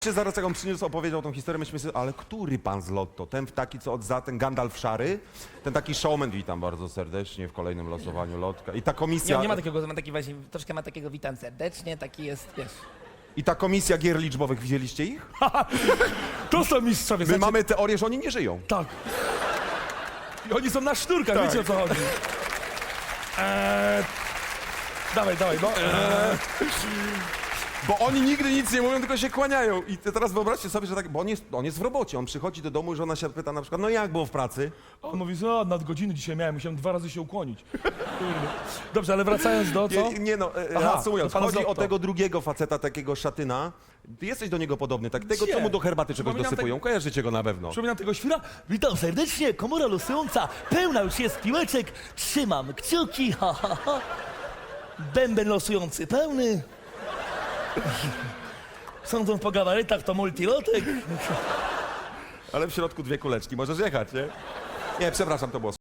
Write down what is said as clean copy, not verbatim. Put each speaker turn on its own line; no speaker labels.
Zaraz jak on przyniósł, opowiedział tą historię, myśmy sobie, ale który pan z Lotto? Ten taki, co ten Gandalf szary? Ten taki showman, witam bardzo serdecznie w kolejnym losowaniu Lotka. I ta komisja...
Nie ma takiego, ma taki właśnie, troszkę ma takiego witam serdecznie, taki jest, wiesz.
I ta komisja gier liczbowych, widzieliście ich?
To są mistrzowie,
My mamy teorię, że oni nie żyją.
Tak. I oni są na sznurkach,
Tak.
wiecie o co chodzi. Dawaj, no.
Bo oni nigdy nic nie mówią, tylko się kłaniają. I teraz wyobraźcie sobie, że tak, bo on jest w robocie, on przychodzi do domu i żona się pyta na przykład, no jak było w pracy?
On mówi, że nadgodziny dzisiaj miałem, musiałem 2 razy się ukłonić. Dobrze, ale wracając do co?
Nie no,
Aha,
reasumując,
to pan z
chodzi o
Lotto.
tego drugiego faceta, takiego szatyna. Ty jesteś do niego podobny, tak? Tego,
Gdzie?
co mu do herbaty czegoś
Przypominam
dosypują. Kojarzycie go na pewno.
Przypominam tego świra? Witam serdecznie, komora losująca, pełna już jest piłeczek, trzymam kciuki, ha, ha, ha. Bęben losujący pełny. Sądząc po gabarytach to multilotek.
Ale w środku 2 kuleczki, możesz jechać, nie? Nie, przepraszam, to było